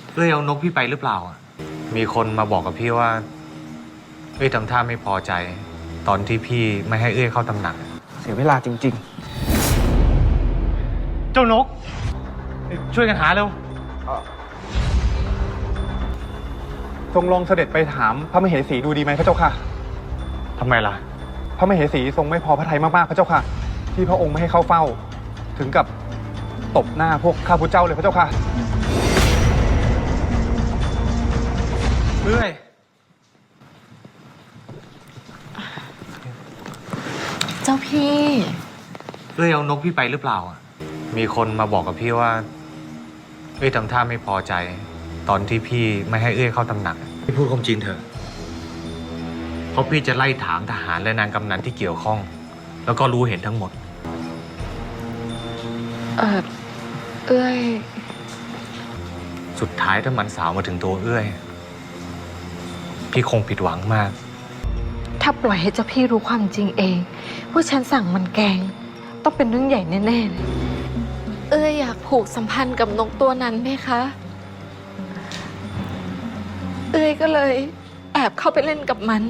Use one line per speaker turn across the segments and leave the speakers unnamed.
เอ้ยเอานกพี่ไปหรือเปล่ามีคนมาบอกกับพี่ว่าเอ้ยทำท่าไม่พอใจตอนที่พี่ไม่ให้เอ้ยเข้าตำหนัก
เสียเวลาจริง
ๆเจ้านกช่วยกันหาเร็ว
ทรงลองเสด็จไปถามพระมเหสีดูดีไหมพระเจ้าค่ะ
ทำไมล่ะ
พระมเหสีทรงไม่พอพระทัยมากๆพระเจ้าค่ะที่พระองค์ไม่ให้เข้าเฝ้าถึงกับตบหน้าพวกข้าพุทธเจ้าเลยพระเจ้าค่ะ
เอ้ย
เจ้าพี่
เอ้ยเอานกพี่ไปหรือเปล่ามีคนมาบอกกับพี่ว่าเอ้ยทำท่าไม่พอใจตอนที่พี่ไม่ให้เอ้ยเข้าตำหนักพี่พูดความจริงเถอะเพราะพี่จะไล่ถามทหารและนางกำนันที่เกี่ยวข้องแล้วก็รู้เห็นทั้งหมด
เอ้ย
สุดท้ายถ้ามันสาวมาถึงตัวเอ้ยพี่คงผิดหวังมาก
ถ้าปล่อยให้เจ้าพี่รู้ความจริงเองว่าฉันสั่งมันแกงต้องเป็นเรื่องใหญ่แน่ๆเลยเอ้ยอยากผูกสัมพันธ์กับนกตัวนั้นไหมคะเอ้ยก็เลยแอบเข้าไปเล่นกับมัน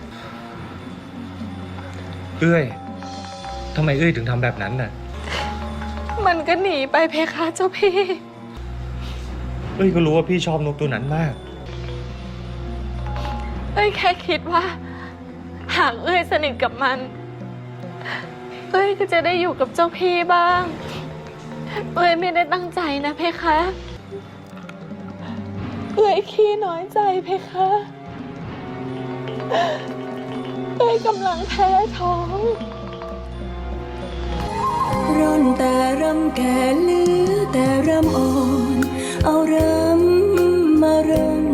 เอ้ยทำไมเอ้ยถึงทำแบบนั้นน่ะ
มันก็หนีไปเพคะเจ้าพี่
เอ้ยก็รู้ว่าพี่ชอบนกตัวนั้นมาก
เอ้ยแค่คิดว่าหากเอ้ยสนิทกับมันเอ้ยก็จะได้อยู่กับเจ้าพี่บ้างเอ้ยไม่ได้ตั้งใจนะเพคะเอ้ยขี้น้อยใจเพคะเอ้ยกำลังแพ้ท้อง
ร่อนแต่รำแก่เหลือแต่รำอ่อนเอารำมารำ